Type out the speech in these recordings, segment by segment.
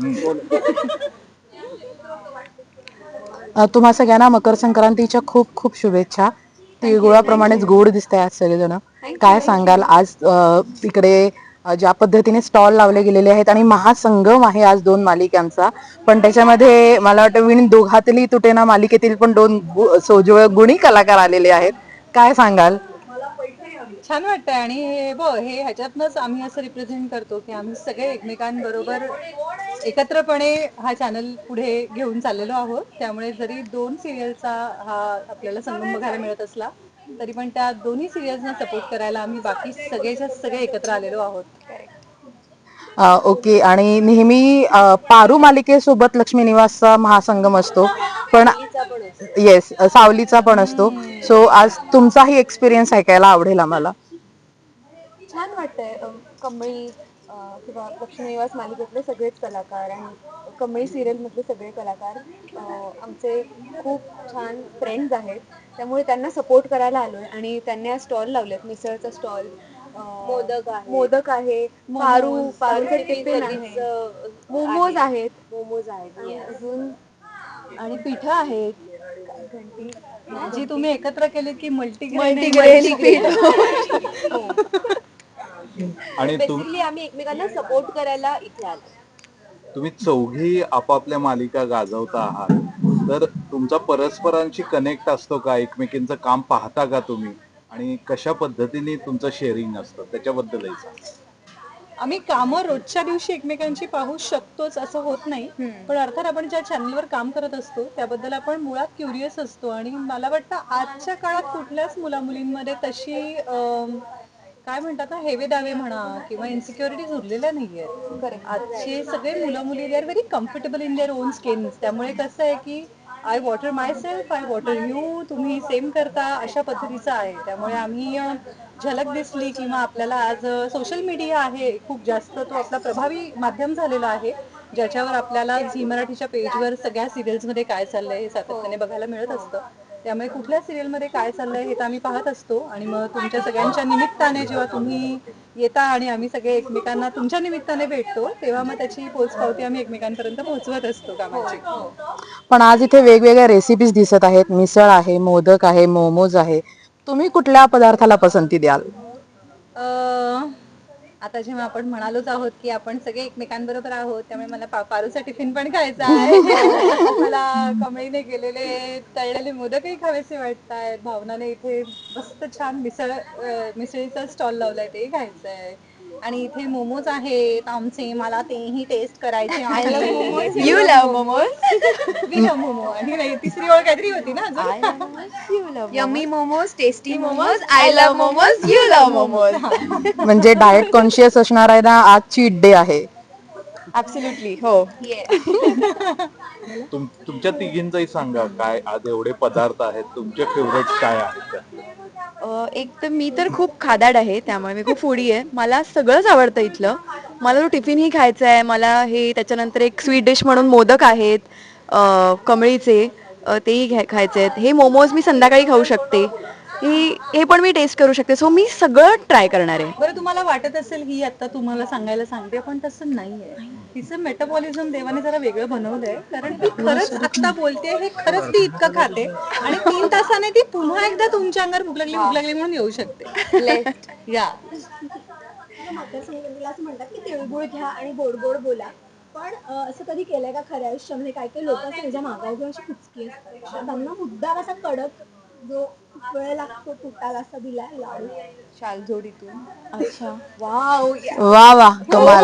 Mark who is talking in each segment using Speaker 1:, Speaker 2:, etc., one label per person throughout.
Speaker 1: तुम्हा सगळ्यांना मकर संक्रांतीच्या खूप खूप शुभेच्छा. तिळगुळाप्रमाणेच गोड दिसतंय आज सगळेजण. काय सांगाल आज तिकडे ज्या पद्धतीने स्टॉल लावले गेलेले आहेत आणि महासंगम आहे आज दोन मालिकांचा, पण त्याच्यामध्ये मला वाटतं विण दोघातली तुटेना मालिकेतील पण दोन सोजवळ गुणी कलाकार आलेले आहेत. काय सांगाल?
Speaker 2: छान वाटतंय आणि हे ह्याच्यातनंच आम्ही असं रिप्रेझेंट करतो की आम्ही सगळे एकमेकांबरोबर एकत्रपणे हा चॅनल पुढे घेऊन चाललेलो आहोत. त्यामुळे जरी दोन सिरियलचा हा आपल्याला संगम बघायला मिळत असला तरी पण त्या दोन्ही सिरियल्सना सपोर्ट करायला आम्ही बाकी सगळेच्या सगळे एकत्र आलेलो आहोत.
Speaker 1: ओके. आणि नेहमी पारू मालिकेसोबत लक्ष्मी निवासचा महासंगम असतो, पण येस सावलीचा पण असतो. सो आज तुमचाही एक्सपिरियन्स ऐकायला आवडेल आम्हाला.
Speaker 3: छान वाटतंय. कमळी किंवा लक्ष्मी निवास मालिकेतले सगळेच कलाकार आणि कमळी सिरियलमधले सगळे कलाकार आमचे खूप छान फ्रेंड्स आहेत. त्यामुळे त्यांना सपोर्ट करायला आलोय आणि त्यांनी स्टॉल लावलेत. मिसळचा स्टॉल, मोदक आहे, पारूचं टिफिन आहे, मोमोज आहेत आणि अजून आणि पिठं आहेत,
Speaker 2: जी तुम्ही एकत्र केली की
Speaker 3: मल्टीग्रेन पीठ.
Speaker 4: आणि
Speaker 3: बेसिकली आम्ही एकमेकांना सपोर्ट करायला इथे आलो.
Speaker 4: तुम्ही चौघी आपापल्या मालिका गाजवता आहात, तर तुमचा परस्परांशी कनेक्ट असतो का? एकमेकींचं काम पाहता का तुम्ही? आणि कशा पद्धतीने तुमचं शेअरिंग असतं त्याच्याबद्दलही सांगा.
Speaker 2: आम्ही कामं रोजच्या दिवशी एकमेकांची पाहू शकतोच असं होत नाही, पण अर्थात आपण ज्या चॅनलवर काम करत असतो त्याबद्दल आपण मुळात क्युरियस असतो. आणि मला वाटतं आजच्या काळात कुठल्याच मुलामुलींमध्ये तशी काय म्हणतात ना, हेवे दावे म्हणा किंवा इन्सिक्युरिटीज उरलेल्या नाहीयेत. आजचे सगळे मुलं मुली they are very comfortable in their own skins. त्यामुळे कसं आहे की I water myself, I water you, तुम्ही सेम करता अशा पद्धतीचं आहे. त्यामुळे आम्ही झलक दिसली किंवा आपल्याला आज सोशल मीडिया आहे खूप जास्त, तो आपला प्रभावी माध्यम झालेला आहे ज्याच्यावर आपल्याला झी मराठीच्या पेजवर सगळ्या सिरियल्समध्ये काय चाललंय हे सातत्याने बघायला मिळत असतं. त्यामुळे कुठल्या सिरियलमध्ये काय चाललंय हे तर आम्ही पाहत असतो. आणि मग तुमच्या सगळ्यांच्या निमित्ताने जेव्हा तुम्ही येता आणि आम्ही सगळे एकमेकांना तुमच्या निमित्ताने भेटतो तेव्हा मग त्याची पोचपावती आम्ही एकमेकांपर्यंत पोहोचवत असतो कामाची.
Speaker 1: पण आज इथे वेगवेगळ्या रेसिपीज दिसत आहेत. मिसळ आहे, मोदक आहे, मोमोज आहे. तुम्ही कुठल्या पदार्थाला पसंती द्याल?
Speaker 2: आता जेव्हा आपण म्हणालोच आहोत की आपण सगळे एकमेकांबरोबर आहोत त्यामुळे मला पारूचा टिफिन पण खायचा आहे. मला कमळीने केलेले तळलेले मोदकही खावेसे वाटत आहेत. भावनाने इथे मस्त छान मिसळीचा स्टॉल लावलाय ते खायचं आहे. आणि इथे मोमोज आहेत आमचे, मला तेही टेस्ट करायचे आहे.
Speaker 3: You love momos.
Speaker 2: We love momo. आणि नाही, तिसरी ओळ काहीतरी होती ना अजून.
Speaker 3: Yummy momos, tasty momos, I love momos, you love momos.
Speaker 1: म्हणजे डाएट कॉन्शियस असणार आहे ना, आज चीट डे आहे.
Speaker 3: ऍब्सोल्युटली हो.
Speaker 4: तुमच्या तिघींचंही सांगा, काय आज एवढे पदार्थ आहेत, तुमचे फेवरेट काय आहेत त्यातले?
Speaker 3: एक तर मी तर खूप खादाड आहे, त्यामुळे मी खूप फूडी आहे. मला सगळंच आवडतं इथलं. मला तो टिफिनही खायचा आहे. मला हे त्याच्यानंतर एक स्वीट डिश म्हणून मोदक आहेत कमळीचे, तेही खायचे आहेत. हे मोमोज मी संध्याकाळी खाऊ शकते. हे पण मी टेस्ट करू शकते. सो मी सगळं ट्राय करणार आहे.
Speaker 2: बरं, तुम्हाला वाटत असेल ही आता तुम्हाला सांगायला सांगते पण तसं नाहीये. तिचं मेटाबॉलिझम देवाने जरा वेगळं बनवलंय, कारण ती खरंच आता बोलते हे खरंच ती इतकं खाते आणि 3 तासाने ती पुन्हा एकदा तुमच्या अंगावर भूक लागली म्हणून येऊ शकते. या
Speaker 5: मकर संक्रांतीला असं म्हणतात की तिळगुळ घ्या आणि गोड गोड बोला. पण असं कधी केलंय का खऱ्या आयुष्यामध्ये? काही काही लोक असतात ज्या मागावर घेऊन अशी कुचकी असतात, त्यांना मुद्दाम असा कडक जो खूप वेळ लागतो तुटायला असा दिलाय लाडू
Speaker 3: शालजोडीतून.
Speaker 5: अच्छा.
Speaker 3: वाव.
Speaker 1: वा वा, कमाल.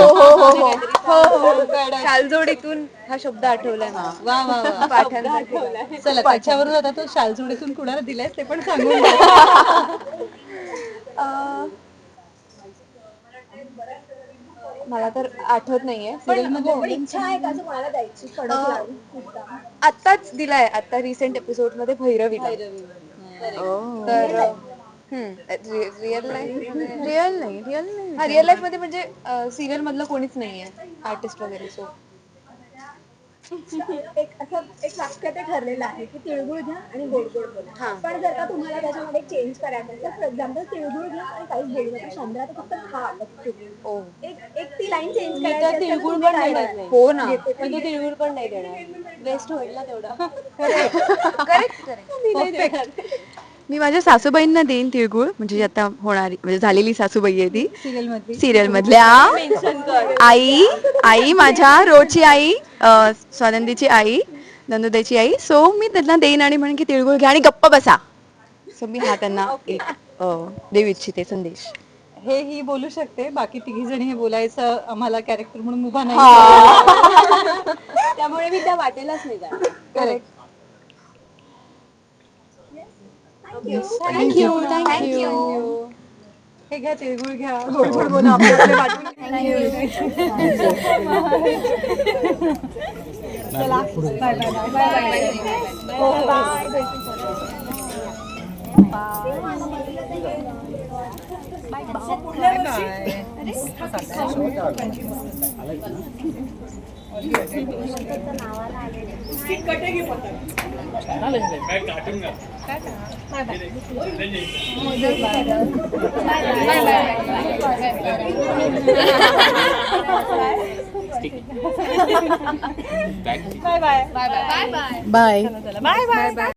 Speaker 3: शालजोडीतून हा शब्द आठवलाय मला.
Speaker 2: वा वा वा.
Speaker 3: पाठांसाठी.
Speaker 2: चला त्याच्यावरून आता तो शालजोडीतून कुणाला दिलाय ते पण सांगून द्या.
Speaker 3: मला तर आठवत नाहीये.
Speaker 5: पण इच्छा आहे का असं कोणाला द्यायची कडक लाडू मुद्दाम?
Speaker 3: आत्ताच दिलाय, आता रिसेंट एपिसोड मध्ये भैरवीला. तर रिअल लाईफ मध्ये म्हणजे सिरियल मधलं कोणीच नाहीये आर्टिस्ट वगैरे. सो
Speaker 5: एक वाक्य ते ठरलेलं आहे की तिळगुळ घ्या आणि गोड गोड बोला. पण जर का तुम्हाला त्याच्यामध्ये चेंज करायचं असेल तर फॉर एक्झाम्पल तिळगुळ घ्या आणि काहीच बोलू नका, चंद्रा तर फक्त खा बघतो. एक ती लाईन चेंज करायची असेल तर
Speaker 3: तिळगुळ
Speaker 5: तुम्ही
Speaker 3: पण
Speaker 5: काय
Speaker 3: देणार
Speaker 5: म्हणाल?
Speaker 3: नाही.
Speaker 6: हो ना.
Speaker 3: मी तो तिळगुळ पण नाही देणार, वेस्ट होईल ना तेवढा.
Speaker 6: करेक्ट
Speaker 3: मी नाही देणार.
Speaker 6: मी माझ्या सासूबाईंना देईन तिळगुळ, म्हणजे आता होणारी म्हणजे झालेली सासूबाई आहे ती सिरियल मधल्या आई माझ्या रोजची आई, स्वानंदीची आई, नंदुताईची आई. सो मी त्यांना देईन आणि म्हणेन की तिळगुळ घ्या आणि गप्प बसा. सो मी हा त्यांना एक देऊ इच्छिते संदेश.
Speaker 2: हे ही बोलू शकते, बाकी तिघी जणी हे बोलायचं आम्हाला कॅरेक्टर म्हणून उभा नाही.
Speaker 3: त्यामुळे मी त्या वाटेलाच नाही जाणार.
Speaker 2: करेक्ट.
Speaker 6: थँक्यू.
Speaker 2: हे घ्या तिळगुळ घ्या, गोड गोड बोला, आपल्याकडे वाटून चला bye bye bye bye
Speaker 1: bye.